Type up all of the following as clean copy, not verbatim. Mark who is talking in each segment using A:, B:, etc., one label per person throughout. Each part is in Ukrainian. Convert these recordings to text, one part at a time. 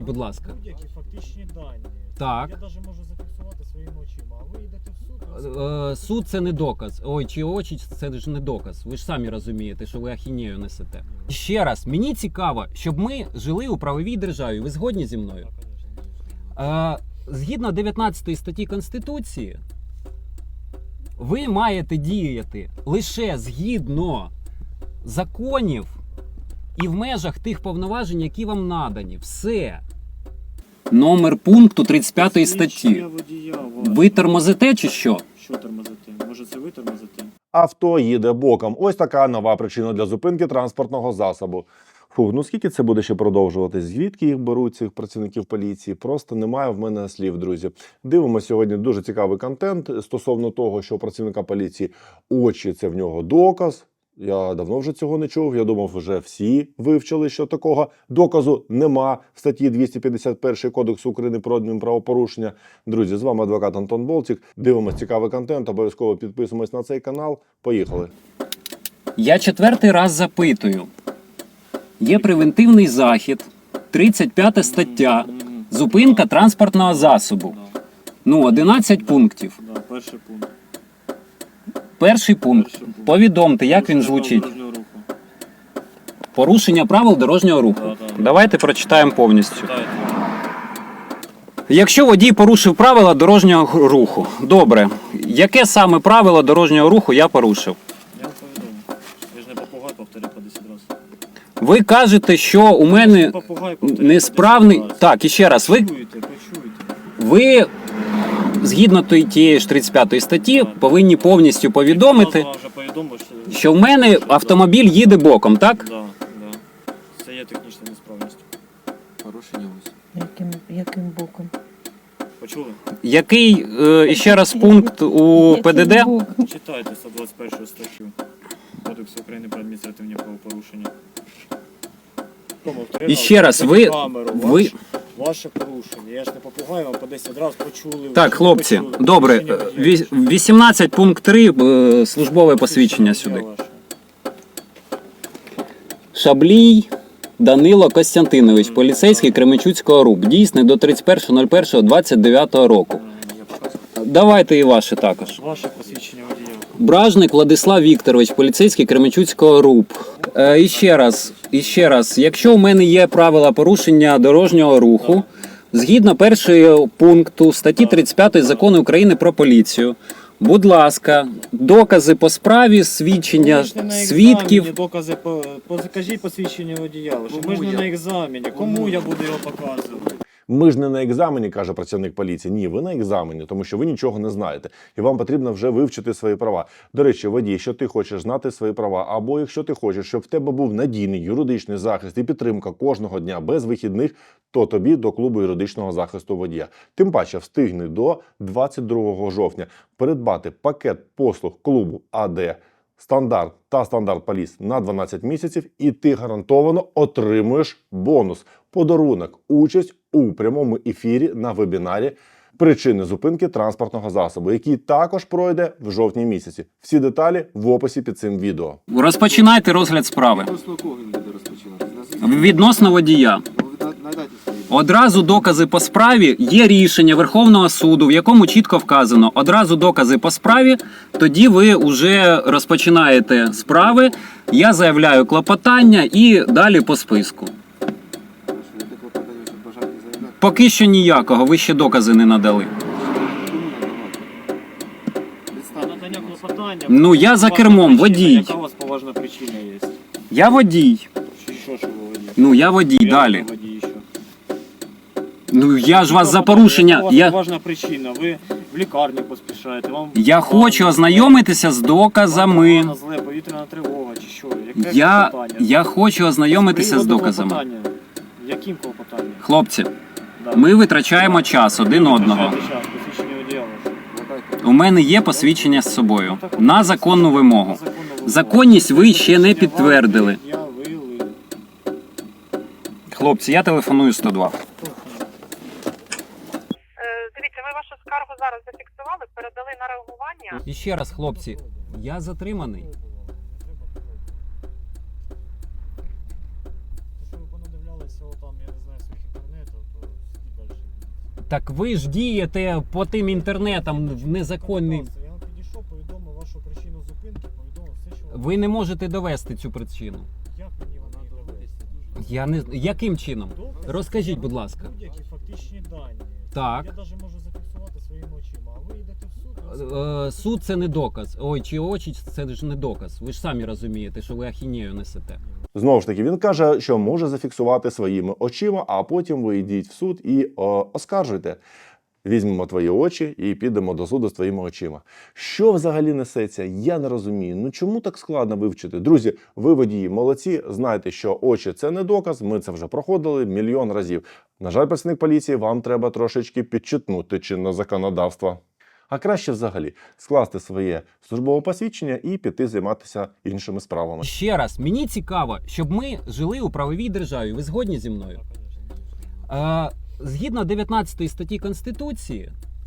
A: Будь ласка.
B: Будь-які фактичні дані.
A: Так.
B: Я навіть можу зафіксувати своїми очима, а ви йдете в суд.
A: Суд це не доказ. Ой, чи очі це ж не доказ. Ви ж самі розумієте, що ви ахінею несете. Ще раз, мені цікаво, щоб ми жили у правовій державі. Ви згодні зі мною?
B: Так, звісно.
A: Згідно 19 статті Конституції, ви маєте діяти лише згідно законів і в межах тих повноважень, які вам надані. Все. Номер пункту 35 статті. Ви тормозите чи що?
B: Що тормозити? Може це ви тормозите?
C: Авто їде боком. Ось така нова причина для зупинки транспортного засобу. Фу, ну скільки це буде ще продовжуватись? Звідки їх беруть, цих працівників поліції? Просто немає в мене слів, друзі. Дивимося сьогодні дуже цікавий контент стосовно того, що у працівника поліції очі – це в нього доказ. Я давно вже цього не чув. Я думав, вже всі вивчили, що такого доказу нема в статті 251 Кодексу України про адмінправопорушення. Друзі, з вами адвокат Антон Болтік. Дивимось цікавий контент, обов'язково підписуємось на цей канал. Поїхали.
A: Я 4-й раз запитую. Є превентивний захід, 35 стаття, зупинка транспортного засобу. Ну, 11 пунктів.
B: Да, перший пункт.
A: Перший пункт. Повідомте, як він звучить.
B: Дорожнього руху.
A: Порушення правил дорожнього руху.
B: Да.
A: Давайте прочитаємо повністю.
B: Читайте.
A: Якщо водій порушив правила дорожнього руху. Добре. Яке саме правило дорожнього руху я порушив?
B: Я вам повідомив. Я ж не попугай, повторю по 10 разів.
A: Ви кажете, що у мене
B: Попугай, повторю
A: несправний...
B: по 10 разів.
A: Так, і ще раз.
B: Почуєте.
A: Ви згідно тієї ж 35 статті, повинні повністю повідомити,
B: Я вже повідомив,
A: що в мене автомобіль їде боком, так?
B: Да. Це є технічна несправність.
D: Порушення ось.
E: Яким боком?
B: Почули?
A: Який, іще раз, пункт у ПДД?
E: Яким боком?
B: Читайте 121 статтю Кодексу України про адміністративні правопорушення.
A: І ще раз, ви...
B: Ваше порушення. Я ж не попугаю, вам по 10 разів почули.
A: Так, хлопці,
B: почули.
A: добре,
B: Порушення водія.
A: 18 пункт 3, службове посвідчення сюди.
B: Ваше.
A: Шаблій Данило Костянтинович, поліцейський Кременчуцького РУП, дійсний до 31.01.29 року.
B: Я показую.
A: Давайте і ваше також.
B: Ваше посвідчення водія.
A: Бражник Владислав Вікторович, поліцейський Кременчуцького РУП. І ще раз, якщо у мене є правила порушення дорожнього руху, згідно першого пункту статті 35 Закону України про поліцію, будь ласка, докази по справі, свідчення
B: Ви ж не на
A: свідків.
B: екзамені, докази закажіть посвідчення водія. Ми ж не на екзамені. Кому я буду його показувати?
C: Ми ж не на екзамені, каже працівник поліції. Ні, ви на екзамені, тому що ви нічого не знаєте. І вам потрібно вже вивчити свої права. До речі, водій, якщо ти хочеш знати свої права, або якщо ти хочеш, щоб в тебе був надійний юридичний захист і підтримка кожного дня без вихідних, то тобі до клубу юридичного захисту водія. Тим паче встигни до 22 жовтня придбати пакет послуг клубу АД Стандарт та Стандарт Поліс на 12 місяців, і ти гарантовано отримуєш бонус – подарунок, участь у прямому ефірі на вебінарі «Причини зупинки транспортного засобу», який також пройде в жовтні місяці. Всі деталі в описі під цим відео.
A: Розпочинайте розгляд справи.
D: Відносно кого він буде розпочинати?
A: Відносно водія.
D: Надайте свої.
A: Одразу докази по справі, є рішення Верховного суду, в якому чітко вказано, одразу докази по справі, тоді ви вже розпочинаєте справи, я заявляю клопотання і далі по списку.
D: Хорошо, яке клопотання, щоб бажаєте заявляти?
A: Поки що ніякого, ви ще докази не надали.
B: Надання клопотання.
A: Ну, я за кермом, водій.
B: Яка у вас поважна причина є?
A: Я водій.
B: Що ви водій?
A: Ну, я водій, далі.
B: Водій, що?
A: Ну, я ж вас за порушення...
B: Яка у вас поважна причина? Ви в лікарню поспішаєте.
A: Я хочу ознайомитися з доказами.
B: Вам зле, повітряна тривога чи що? Яке клопотання?
A: Я хочу ознайомитися з
B: Приводу
A: доказами.
B: клопотання. Яким клопотанням?
A: Хлопці,
B: Да.
A: ми витрачаємо час один одного.
B: Витрачайте час, посвідчення водія ваше.
D: Надайте.
A: У мене є посвідчення з собою. На законну вимогу.
B: На законну вимогу.
A: Законність ви ще не підтвердили.
B: Явили.
A: Хлопці, я телефоную 102.
F: Дивіться, ми вашу скаргу зараз зафіксували, передали на реагування.
A: І ще раз, хлопці, я затриманий.
B: Те, що ви понадивлялися там, я не знаю, своїх інтернетів, то
A: Так ви ж дієте по тим інтернетам в незаконний.
B: Я вам підійшов, повідомив вашу причину зупинки, повідомив все, що
A: Ви не можете довести цю причину.
B: Як мені вона довести?
A: Я не яким чином?
B: Добре,
A: Розкажіть, будь ласка.
B: Будь-які фактичні дані.
A: Так.
B: Я навіть можу зафіксувати своїми очима, а ви йдете в суд.
A: Суд це не доказ. Ой, чи очі це ж не доказ. Ви ж самі розумієте, що ви ахінею несете.
C: Знову ж таки, він каже, що може зафіксувати своїми очима, а потім ви йдіть в суд і оскаржуйте. Візьмемо твої очі і підемо до суду з твоїми очима. Що взагалі несеться, я не розумію. Ну чому так складно вивчити? Друзі, ви водії молодці, знайте, що очі – це не доказ, ми це вже проходили мільйон разів. На жаль, працівник поліції, вам треба трошечки підчитнути чинне законодавство. А краще взагалі скласти своє службове посвідчення і піти займатися іншими справами.
A: Ще раз, мені цікаво, щоб ми жили у правовій державі. Ви згодні зі мною? Згідно 19 статті Конституції,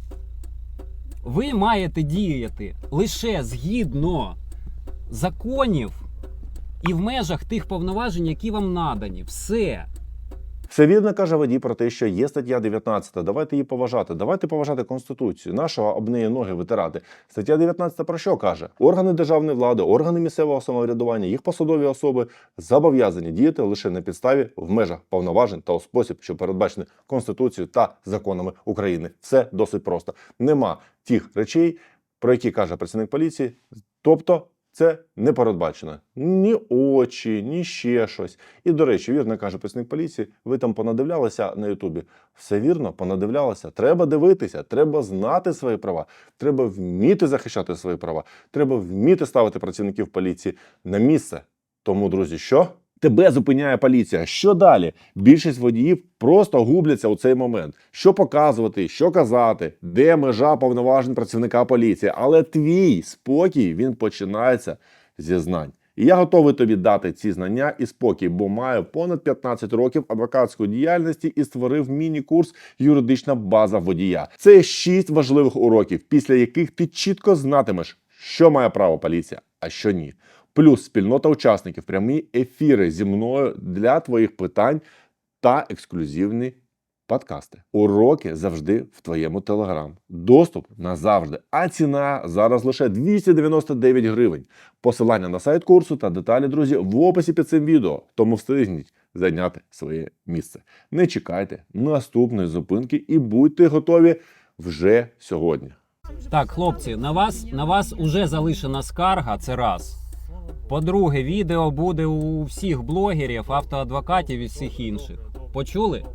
A: ви маєте діяти лише згідно законів і в межах тих повноважень, які вам надані. Все.
C: Все вірно каже водій про те, що є стаття 19. Давайте її поважати. Давайте поважати Конституцію. Нашого об неї ноги витирати. Стаття 19 про що каже? Органи державної влади, органи місцевого самоврядування, їх посадові особи зобов'язані діяти лише на підставі в межах повноважень та у спосіб, що передбачений Конституцією та законами України. Все досить просто. Нема тих речей, про які каже працівник поліції. Тобто це не передбачено. Ні очі, ні ще щось. І, до речі, вірно каже працівник поліції, ви там понадивлялися на Ютубі. Все вірно, понадивлялися. Треба дивитися, треба знати свої права, треба вміти захищати свої права, треба вміти ставити працівників поліції на місце. Тому, друзі, що? Тебе зупиняє поліція. Що далі? Більшість водіїв просто губляться у цей момент. Що показувати, що казати, де межа повноважень працівника поліції. Але твій спокій, він починається зі знань. І я готовий тобі дати ці знання і спокій, бо маю понад 15 років адвокатської діяльності і створив міні-курс «Юридична база водія». Це 6 важливих уроків, після яких ти чітко знатимеш, що має право поліція, а що ні. Плюс спільнота учасників, прямі ефіри зі мною для твоїх питань та ексклюзивні подкасти. Уроки завжди в твоєму Телеграм. Доступ назавжди. А ціна зараз лише 299 гривень. Посилання на сайт курсу та деталі, друзі, в описі під цим відео. Тому встигніть зайняти своє місце. Не чекайте наступної зупинки і будьте готові вже сьогодні.
A: Так, хлопці, на вас уже залишена скарга, це раз. По-друге, відео буде у всіх блогерів, автоадвокатів і всіх інших. Почули?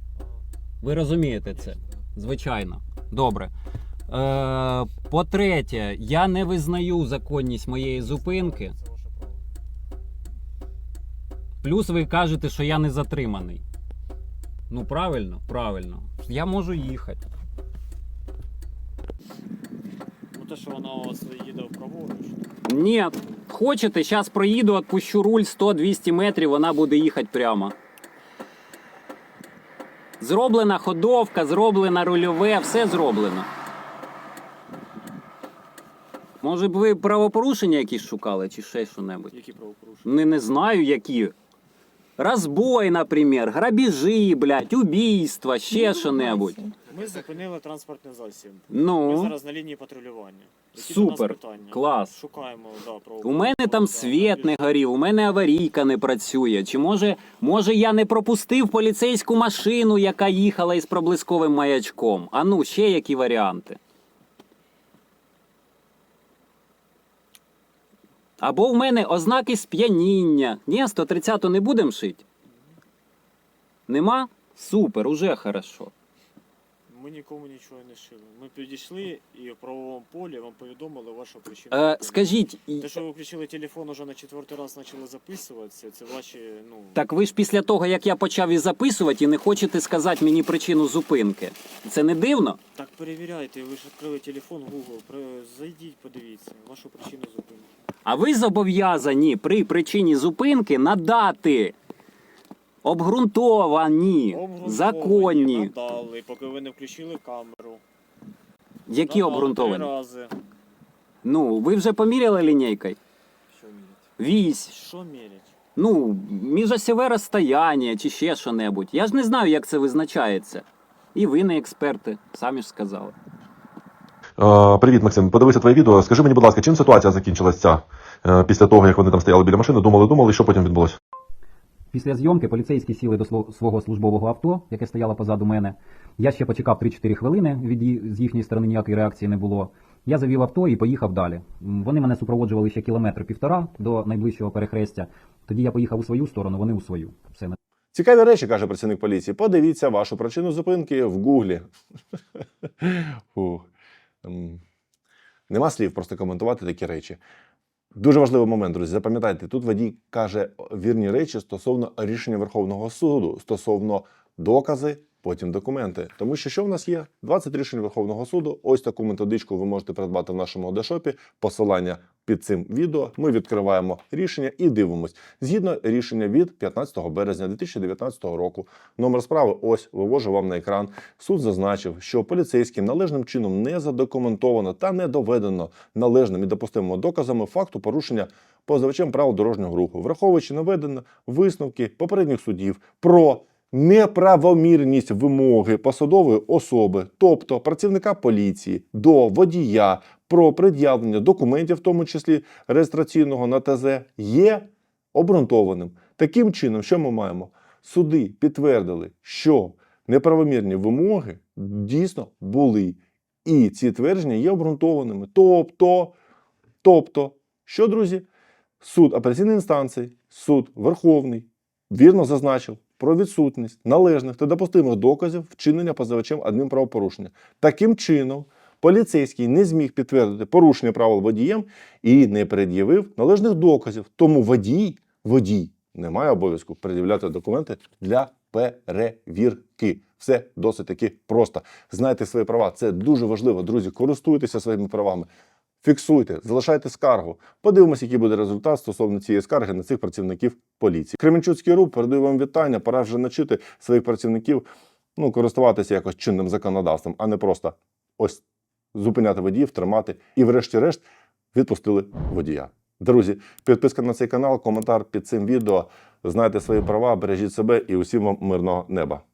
A: Ви розумієте це? Звичайно. Добре. По-третє, я не визнаю законність моєї зупинки. Плюс ви кажете, що я не затриманий. Ну, правильно? Правильно. Я можу їхати.
B: Ну те, що вона у вас їде праворуч.
A: Ні. Хочете, зараз проїду, відпущу руль 100-200 метрів, вона буде їхати прямо. Зроблена ходовка, зроблена рульове, все зроблено. Може б ви правопорушення якісь шукали, чи ще що-небудь?
B: Які правопорушення?
A: Не знаю, які. Розбой, наприклад, грабежі, блядь, убійства, ще що-небудь.
B: Ми зупинили транспортний засіб.
A: Ну.
B: Ми зараз на лінії патрулювання. Які
A: Супер,
B: до нас питання?
A: клас.
B: Шукаємо, да,
A: У мене там світ не горів, у мене аварійка не працює. Чи може я не пропустив поліцейську машину, яка їхала із проблисковим маячком? А ну, ще які варіанти? Або в мене ознаки сп'яніння. Ні, 130-ту не будемо шити? Нема? Супер, уже хорошо.
B: Ми нікому нічого не шили. Ми підійшли і в правовому полі вам повідомили вашу причину.
A: Скажіть,
B: Те, що ви включили телефон, уже на 4-й раз почали записуватися, це ваші, ну...
A: так ви ж після того, як я почав і записувати, і не хочете сказати мені причину зупинки. Це не дивно?
B: Так перевіряйте, ви ж відкрили телефон, Google, зайдіть, подивіться вашу причину зупинки.
A: А ви зобов'язані при причині зупинки надати обґрунтовані, законні.
B: Надали, поки ви не включили камеру.
A: Які
B: Надали
A: обґрунтовані?
B: 3 рази.
A: Ну, ви вже поміряли лінійкою?
D: Що мірять?
A: Вісь.
B: Що мірять?
A: Ну, міжосьове розстояння чи ще що-небудь. Я ж не знаю, як це визначається. І ви не експерти, самі ж сказали.
G: Привіт, Максим. Подивися твоє відео. Скажи мені, будь ласка, чим ситуація закінчилася після того, як вони там стояли біля машини, думали, що потім відбулося?
H: Після зйомки поліцейські сіли до свого службового авто, яке стояло позаду мене. Я ще почекав 3-4 хвилини, з їхньої сторони ніякої реакції не було. Я завів авто і поїхав далі. Вони мене супроводжували ще 1,5 кілометра до найближчого перехрестя. Тоді я поїхав у свою сторону, вони у свою. Все.
C: Цікаві речі, каже працівник поліції. Подивіться вашу причину зупинки в Гуглі. Фух. Нема слів просто коментувати такі речі. Дуже важливий момент, друзі. Запам'ятайте, тут водій каже вірні речі стосовно рішення Верховного суду, стосовно докази, потім документи. Тому що в нас є? 20 рішень Верховного суду. Ось таку методичку ви можете придбати в нашому одешопі. Посилання під цим відео. Ми відкриваємо рішення і дивимось. Згідно рішення від 15 березня 2019 року. Номер справи ось, вивожу вам на екран. Суд зазначив, що поліцейським належним чином не задокументовано та не доведено належними і допустимими доказами факту порушення позивачем правил дорожнього руху, враховуючи наведені висновки попередніх судів про неправомірність вимоги посадової особи, тобто працівника поліції, до водія про пред'явлення документів, в тому числі реєстраційного на ТЗ, є обґрунтованим. Таким чином, що ми маємо? Суди підтвердили, що неправомірні вимоги дійсно були. І ці твердження є обґрунтованими. Тобто, що, друзі? Суд апеляційної інстанції, суд Верховний вірно зазначив про відсутність належних та допустимих доказів вчинення позивачем адмінправопорушення. Таким чином, поліцейський не зміг підтвердити порушення правил водієм і не пред'явив належних доказів. Тому водій не має обов'язку пред'являти документи для перевірки. Все досить таки просто. Знайте свої права. Це дуже важливо, друзі. Користуйтеся своїми правами. Фіксуйте, залишайте скаргу. Подивимося, який буде результат стосовно цієї скарги на цих працівників поліції. Кременчуцький РУП передаю вам вітання. Пора вже навчити своїх працівників користуватися якось чинним законодавством, а не просто ось зупиняти водіїв, тримати і врешті-решт відпустили водія. Друзі, підписка на цей канал, коментар під цим відео. Знайте свої права, бережіть себе і усім вам мирного неба.